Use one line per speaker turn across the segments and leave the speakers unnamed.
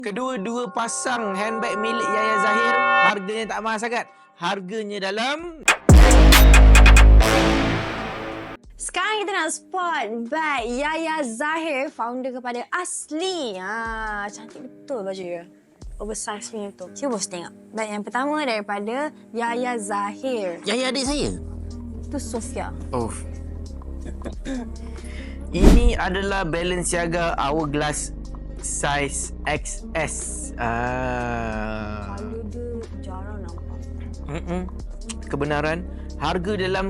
Kedua-dua pasang handbag milik Yaya Zahir, harganya tak mahal sangat. Harganya dalam...
Sekarang kita nak spot bag Yaya Zahir, founder kepada Asli. Cantik betul baju dia. Oversize punya tu. Cuba bos tengok. Bag yang pertama daripada Yaya Zahir.
Yaya adik saya?
Itu Sofia.
Oh. Ini adalah Balenciaga Hourglass size XS.
Kalau dia jarang nampak.
Kebenaran, harga dalam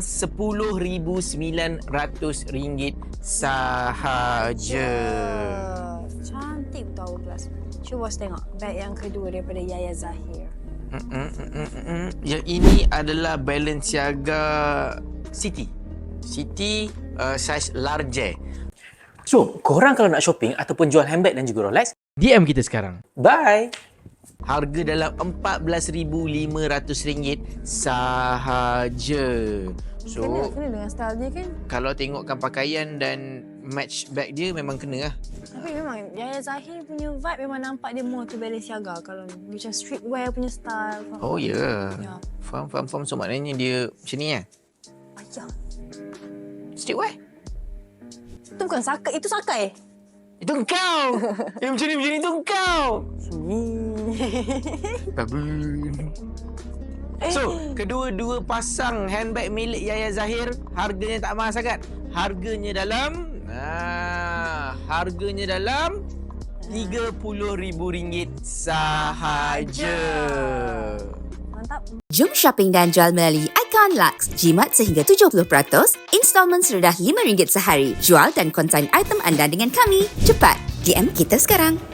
RM10,900 sahaja.
Cantik betul Hourglass. Cuba bos tengok bag yang kedua daripada Yaya Zahir.
Yang ini adalah Balenciaga City. City size large.
So, korang kalau nak shopping ataupun jual handbag dan juga Rolex,
DM kita sekarang.
bye!
Harga dalam RM14,500 sahaja. So,
Kena dengan style dia kan.
kalau tengokkan pakaian dan match bag dia memang kena lah.
Tapi memang Yaya Zahir punya vibe memang nampak dia more to Balenciaga. Kalau macam streetwear punya style.
Oh ya.
Ya.
Faham. So maknanya dia macam ni lah.
Ayah.
Streetwear?
Itu bukan sakai. Itu sakai.
Itu engkau. Yang macam ni itu engkau. Babun. So, kedua-dua pasang handbag milik Yaya Zahir, harganya tak mahal sangat. Harganya dalam RM30,000 sahaja.
Mantap.
Jom shopping dan jual melalui Icon Lux. Jimat sehingga 70%, installmen serendah RM5 sehari. Jual dan konsign item anda dengan kami. Cepat, DM kita sekarang.